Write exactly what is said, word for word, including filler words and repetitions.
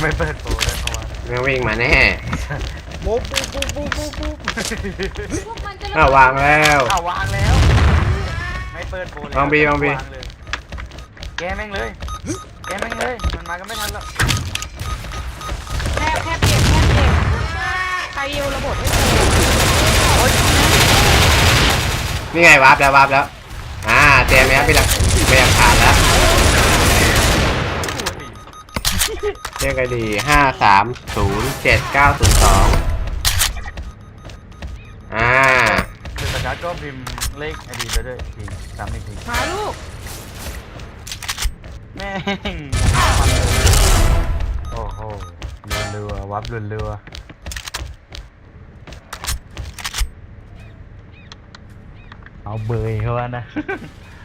ไม่เปิดโปรเลยเขาว่าแม่งวิ่งมาแน่ปุ๊บปุ๊บปุ๊บปุ๊บปุ๊บปุ๊บพวกมันจะอ้าววางแล้วอ้าววางแล้วไม่เปิดโปรเลยวางบีวางบีเลยแกแม่งเลยแกแม่งเลยมันมากันไม่ทันแล้วแค่แค่เปลี่ยนแค่เปลี่ยนใครยิวระบบให้เจอนี่ไงวาร์ปแล้ววาร์ปแล้วอ่าเตรียมไหมครับพี่หลักไม่อยากขาดแล้วเรียกไอดีห้าสามศูนย์เจ็ดเก้าศูนย์สองอ่าคือสกัดก็พิมพ์เลขไอดีไปด้วยทีสามอีกทีหาลูกแม่งโอ้โหเรือๆวับเรือๆเอาเบยเขาว่านะ